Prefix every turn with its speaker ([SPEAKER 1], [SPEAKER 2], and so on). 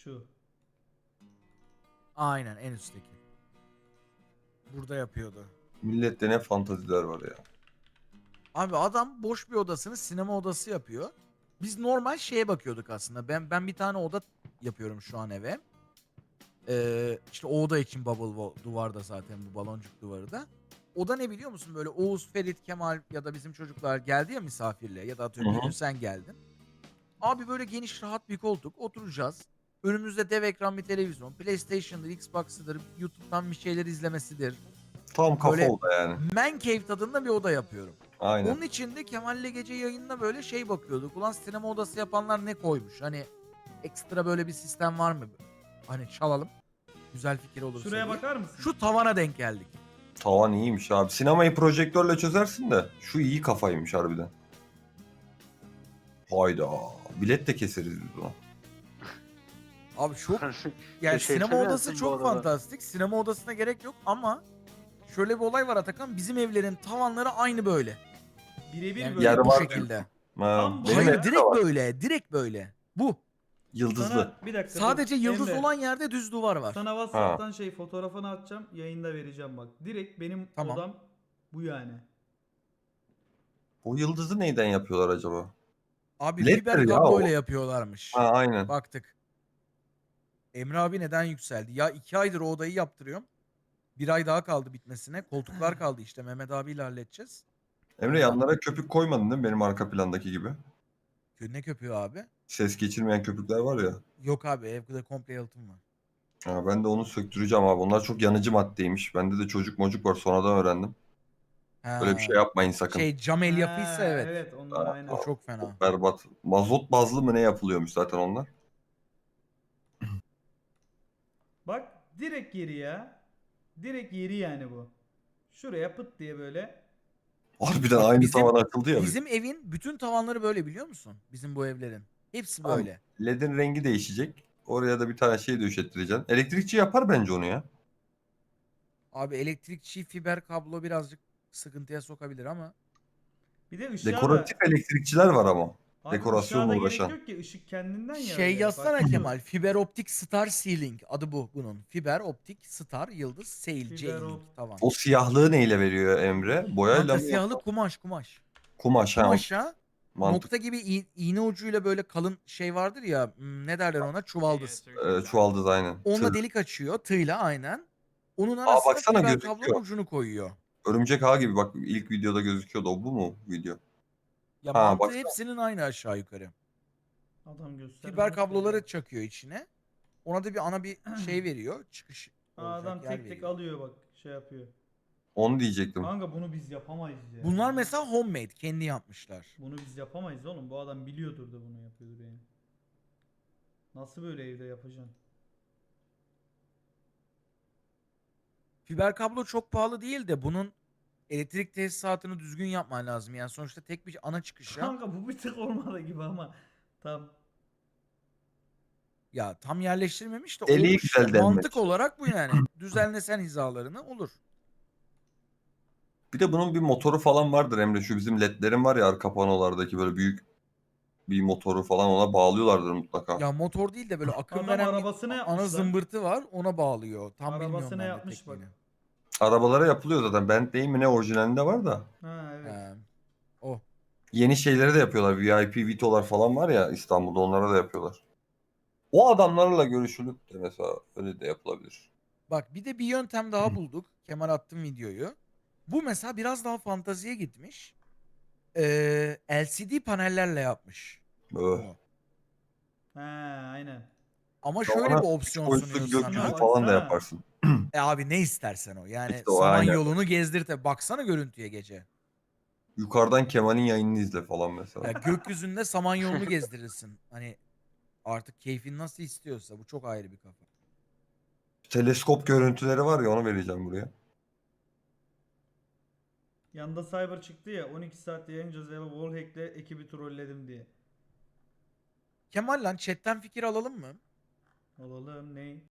[SPEAKER 1] Şu.
[SPEAKER 2] Aynen en üstteki. Burada yapıyordu.
[SPEAKER 3] Millette ne fantaziler var ya.
[SPEAKER 2] Abi adam boş bir odasını sinema odası yapıyor. Biz normal şeye bakıyorduk aslında. Ben bir tane oda yapıyorum şu an eve. İşte o oda için duvarda zaten bu baloncuk duvarı da. Oda ne biliyor musun? Böyle Oğuz, Ferit, Kemal ya da bizim çocuklar geldi ya misafirliğe ya da atıyorum
[SPEAKER 3] Hı
[SPEAKER 2] bir
[SPEAKER 3] hı.
[SPEAKER 2] gün sen geldin. Abi böyle geniş rahat bir koltuk oturacağız. Önümüzde dev ekran bir televizyon. PlayStation'dır, Xbox'ıdır, YouTube'dan bir şeyler izlemesidir.
[SPEAKER 3] Tam kafa
[SPEAKER 2] Böyle
[SPEAKER 3] oda yani.
[SPEAKER 2] man cave tadında bir oda yapıyorum.
[SPEAKER 3] Aynen.
[SPEAKER 2] Onun için de Kemal'le gece yayında böyle şey bakıyorduk. Ulan sinema odası yapanlar ne koymuş? Hani ekstra böyle bir sistem var mı? Hani çalalım. Güzel fikir olursa
[SPEAKER 1] Şuraya
[SPEAKER 2] diye.
[SPEAKER 1] bakar mısın?
[SPEAKER 2] Şu tavana denk geldik.
[SPEAKER 3] Tavan iyiymiş abi. Sinemayı projektörle çözersin de şu iyi kafaymış harbiden. Hayda. Bilet de keseriz biz buna.
[SPEAKER 2] Abi çok yani
[SPEAKER 4] Teşekkür
[SPEAKER 2] sinema odası
[SPEAKER 4] edersin bu
[SPEAKER 2] çok
[SPEAKER 4] arada.
[SPEAKER 2] fantastik. Sinema odasına gerek yok ama şöyle bir olay var Atakan. Bizim evlerin tavanları aynı böyle.
[SPEAKER 1] Birebir
[SPEAKER 2] Yani
[SPEAKER 1] böyle.
[SPEAKER 3] Yarı
[SPEAKER 2] bu
[SPEAKER 3] var
[SPEAKER 2] şekilde.
[SPEAKER 3] Ha,
[SPEAKER 1] Tam
[SPEAKER 3] benim
[SPEAKER 2] Hayır
[SPEAKER 3] evde de
[SPEAKER 2] direkt
[SPEAKER 3] var.
[SPEAKER 2] böyle. Direkt böyle. Bu.
[SPEAKER 3] Yıldızlı.
[SPEAKER 1] Sana bir dakika
[SPEAKER 2] Sadece
[SPEAKER 1] dur.
[SPEAKER 2] yıldız
[SPEAKER 1] Emre,
[SPEAKER 2] olan yerde düz duvar var.
[SPEAKER 1] sana WhatsApp'tan fotoğrafını atacağım. Yayında vereceğim bak. Direkt benim
[SPEAKER 2] Tamam.
[SPEAKER 1] odam bu yani.
[SPEAKER 3] Bu yıldızı neyden yapıyorlar acaba?
[SPEAKER 2] Abi
[SPEAKER 3] LED'dir
[SPEAKER 2] fiber
[SPEAKER 3] ya
[SPEAKER 2] kabloyla
[SPEAKER 3] o.
[SPEAKER 2] yapıyorlarmış.
[SPEAKER 3] Ha aynen.
[SPEAKER 2] Baktık. Emre abi neden yükseldi? Ya 2 aydır o odayı yaptırıyorum. 1 ay daha kaldı bitmesine. Koltuklar kaldı işte. Mehmet abiyle halledeceğiz.
[SPEAKER 3] Emre yanlara köpük koymadın değil mi benim arka plandaki gibi?
[SPEAKER 2] Ne köpüğü abi?
[SPEAKER 3] Ses geçirmeyen köpükler var ya.
[SPEAKER 2] Yok abi evde komple yalıtım var.
[SPEAKER 3] Ha, ben de onu söktüreceğim abi. Onlar çok yanıcı maddeymiş. Bende de çocuk mocuk var sonradan öğrendim. Böyle bir
[SPEAKER 2] Ha.
[SPEAKER 3] şey yapmayın sakın.
[SPEAKER 2] Şey cam el yapıysa
[SPEAKER 1] Ha,
[SPEAKER 2] evet.
[SPEAKER 1] evet onlar
[SPEAKER 3] Ha,
[SPEAKER 1] aynen.
[SPEAKER 2] O çok fena.
[SPEAKER 3] çok berbat. Mazot bazlı mı ne yapılıyormuş zaten onlar?
[SPEAKER 1] Bak direkt yeri ya. Direkt yeri yani bu. Şuraya pıt diye böyle.
[SPEAKER 3] Harbiden
[SPEAKER 2] Bak
[SPEAKER 3] aynı
[SPEAKER 2] bizim
[SPEAKER 3] tavan açıldı ya.
[SPEAKER 2] bizim evin bütün tavanları böyle biliyor musun? Bizim bu evlerin. Hepsi
[SPEAKER 3] Tamam.
[SPEAKER 2] böyle.
[SPEAKER 3] LED'in rengi değişecek. Oraya da bir tane şey döşettireceksin. Elektrikçi yapar bence onu ya.
[SPEAKER 2] Abi elektrikçi fiber kablo birazcık sıkıntıya sokabilir ama
[SPEAKER 1] Bir de ışığa
[SPEAKER 3] Dekoratif
[SPEAKER 1] da
[SPEAKER 3] elektrikçiler var ama.
[SPEAKER 1] abi
[SPEAKER 3] Dekorasyonla
[SPEAKER 1] ışığa da gerek
[SPEAKER 3] uğraşan.
[SPEAKER 1] yok ki. Işık kendinden
[SPEAKER 2] şey
[SPEAKER 1] yanıyor.
[SPEAKER 2] yazsana
[SPEAKER 1] Fark
[SPEAKER 2] Kemal.
[SPEAKER 1] yok.
[SPEAKER 2] Fiber optik star ceiling adı bu bunun. Fiber optik star yıldız sail
[SPEAKER 1] Fiber
[SPEAKER 2] ceiling tavan.
[SPEAKER 3] O siyahlığı neyle veriyor Emre? Boyayla
[SPEAKER 2] Kanka
[SPEAKER 3] mı
[SPEAKER 2] siyahlı
[SPEAKER 3] yoksa?
[SPEAKER 2] kumaş.
[SPEAKER 3] Kumaş ha.
[SPEAKER 2] Kumaşa
[SPEAKER 3] Mantık.
[SPEAKER 2] nokta gibi iğne ucuyla böyle kalın şey vardır ya ne derler ona çuvaldız.
[SPEAKER 3] Çuvaldız aynen.
[SPEAKER 2] Onunla
[SPEAKER 3] Tığ.
[SPEAKER 2] delik açıyor tığla aynen. Onun
[SPEAKER 3] Aa
[SPEAKER 2] arasına
[SPEAKER 3] baksana
[SPEAKER 2] fiber kablonun
[SPEAKER 3] gözüküyor.
[SPEAKER 2] ucunu koyuyor.
[SPEAKER 3] Örümcek ağ gibi bak ilk videoda gözüküyordu. O bu mu video?
[SPEAKER 2] Ya
[SPEAKER 3] Ha
[SPEAKER 2] mantığı
[SPEAKER 3] baksana.
[SPEAKER 2] hepsinin aynı aşağı yukarı.
[SPEAKER 1] Adam göstermiyor
[SPEAKER 2] Fiber
[SPEAKER 1] ki
[SPEAKER 2] kabloları
[SPEAKER 1] ya.
[SPEAKER 2] çakıyor içine. Ona da bir ana bir şey veriyor. Çıkış olacak
[SPEAKER 1] Adam
[SPEAKER 2] yer
[SPEAKER 1] tek tek
[SPEAKER 2] veriyor.
[SPEAKER 1] alıyor bak şey yapıyor.
[SPEAKER 3] Onu diyecektim.
[SPEAKER 1] Kanka bunu biz yapamayız ya.
[SPEAKER 2] Bunlar mesela homemade kendi yapmışlar.
[SPEAKER 1] Bunu biz yapamayız oğlum. Bu adam biliyordur da bunu yapıyordur yani. Nasıl böyle evde yapacaksın?
[SPEAKER 2] Fiber kablo çok pahalı değil de bunun elektrik tesisatını düzgün yapman lazım. Yani sonuçta tek bir ana çıkışa
[SPEAKER 1] Kanka bu bir tık olmadı gibi ama tam.
[SPEAKER 2] ya tam yerleştirmemiş de
[SPEAKER 3] Deliği
[SPEAKER 2] olmuş işte.
[SPEAKER 3] güzel
[SPEAKER 2] Mantık
[SPEAKER 3] delmek.
[SPEAKER 2] olarak bu yani. Düzenlesen hizalarını olur.
[SPEAKER 3] Bir de bunun bir motoru falan vardır Emre. Şu bizim ledlerin var ya arka panolardaki böyle büyük bir motoru falan ona bağlıyorlardır mutlaka.
[SPEAKER 2] Ya motor değil de böyle akım
[SPEAKER 1] Adam
[SPEAKER 2] veren bir
[SPEAKER 1] arabasına
[SPEAKER 2] ana
[SPEAKER 1] yapmış lan.
[SPEAKER 2] zımbırtı var. Ona bağlıyor. Tam bilmiyorum
[SPEAKER 1] Arabasına
[SPEAKER 2] ben de
[SPEAKER 1] yapmış bak.
[SPEAKER 2] tekniğini.
[SPEAKER 3] Arabalara yapılıyor zaten. Bentley mi ne orijinalinde var da.
[SPEAKER 1] Ha evet.
[SPEAKER 2] O.
[SPEAKER 3] Yeni şeyleri de yapıyorlar. VIP Vito'lar falan var ya İstanbul'da onlara da yapıyorlar. O adamlarla görüşülüp de mesela öyle de yapılabilir.
[SPEAKER 2] Bak bir de bir yöntem daha bulduk. Kemal attım videoyu. Bu mesela biraz daha fantaziye gitmiş. LCD panellerle yapmış
[SPEAKER 3] Öh.
[SPEAKER 2] bunu.
[SPEAKER 1] Ha aynen.
[SPEAKER 2] Ama şöyle
[SPEAKER 3] Tavana
[SPEAKER 2] bir
[SPEAKER 3] 3
[SPEAKER 2] opsiyon
[SPEAKER 3] boyutlu
[SPEAKER 2] sunuyor
[SPEAKER 1] Şuna
[SPEAKER 3] gökyüzü
[SPEAKER 2] sana.
[SPEAKER 3] falan da
[SPEAKER 1] baksana.
[SPEAKER 3] yaparsın.
[SPEAKER 2] Abi ne istersen o. Yani
[SPEAKER 3] İşte o aynen.
[SPEAKER 2] Samanyolu'nu gezdirte. Baksana görüntüye gece.
[SPEAKER 3] Yukarıdan Kemal'in yayınını izle falan mesela.
[SPEAKER 2] Ya gökyüzünde Samanyolu'nu gezdirirsin. Hani artık keyfin nasıl istiyorsa. Bu çok ayrı bir kafa.
[SPEAKER 3] Teleskop görüntüleri var ya onu vereceğim buraya.
[SPEAKER 1] Yanda Cyber çıktı ya 12 saat yayınca Zella Wallhack'le ekibi trolledim diye.
[SPEAKER 2] Kemal lan chatten fikir alalım mı?
[SPEAKER 1] Olalım ney?